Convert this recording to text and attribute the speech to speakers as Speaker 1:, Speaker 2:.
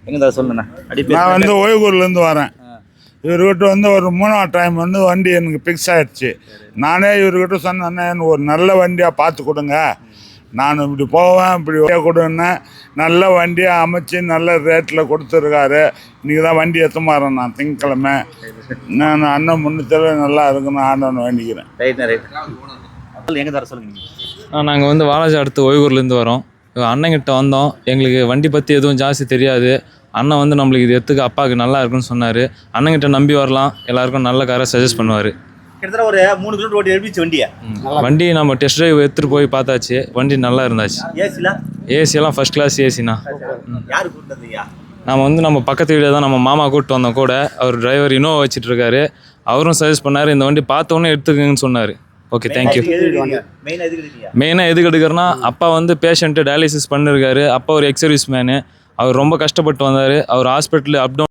Speaker 1: எங்கே சொல்லுண்ணா
Speaker 2: நான் வந்து ஓய்வூர்லேருந்து வரேன். இவர்கிட்ட வந்து ஒரு 3ஆவது டைம் வந்து வண்டி எனக்கு ஃபிக்ஸ் ஆகிடுச்சு. நானே இவர்கிட்ட சொன்னேன், எனக்கு ஒரு நல்ல வண்டியாக பார்த்து கொடுங்க, நான் இப்படி போவேன், இப்படி கொடுன்னு நல்ல வண்டியாக அமைச்சு நல்ல ரேட்டில் கொடுத்துருக்காரு. இன்றைக்கி தான் வண்டி எடுத்து மாறேன். நான் திங்கக்கிழமை நான் அண்ணன் முன்னத்தில் நல்லா இருக்குன்னு ஆண்டவனை வேண்டிக்கிறேன்.
Speaker 1: எங்கே தர சொல்லுங்க.
Speaker 3: நாங்கள் வந்து வாலாஜா அடுத்து ஓய்வூர்லேருந்து வரோம். அண்ணங்கிட்ட வந்தோம். எங்களுக்கு வண்டி பற்றி எதுவும் ஜாஸ்தி தெரியாது. அண்ணன் வந்து நம்மளுக்கு இது எடுத்துக்க அப்பாவுக்கு நல்லா இருக்குன்னு சொன்னார். அண்ணங்கிட்ட நம்பி வரலாம், எல்லாருக்கும் நல்ல காரை சஜஸ்ட் பண்ணுவார்.
Speaker 1: கிட்டத்தட்ட ஒரு 3 கிலோமீட்டர் ஓட்டி எழுப்பிச்சு
Speaker 3: வண்டி நம்ம டெஸ்ட் ட்ரைவ் எடுத்துகிட்டு போய் பார்த்தாச்சு. வண்டி நல்லா இருந்தாச்சு. ஏசியெல்லாம் ஃபர்ஸ்ட் கிளாஸ் ஏசிண்ணா. நம்ம பக்கத்து வீடியோ தான் நம்ம மாமா கூப்பிட்டு வந்தோம் கூட. அவர் டிரைவர் இனோவா வச்சுட்டு இருக்காரு. அவரும் சஜஸ்ட் பண்ணார், இந்த வண்டி பார்த்தோன்னே எடுத்துக்கங்கன்னு சொன்னார். Okay, thank you. மெயினாக எதுக்கு எடுக்கிறேன்னா, அப்பா வந்து பேஷண்ட்டு டயாலிசிஸ் பண்ணிருக்காரு. அப்பா ஒரு எக்ஸர்வீஸ் மேனு. அவர் ரொம்ப கஷ்டப்பட்டு வந்தார். அவர் ஹாஸ்பிட்டலு அப் டவுன்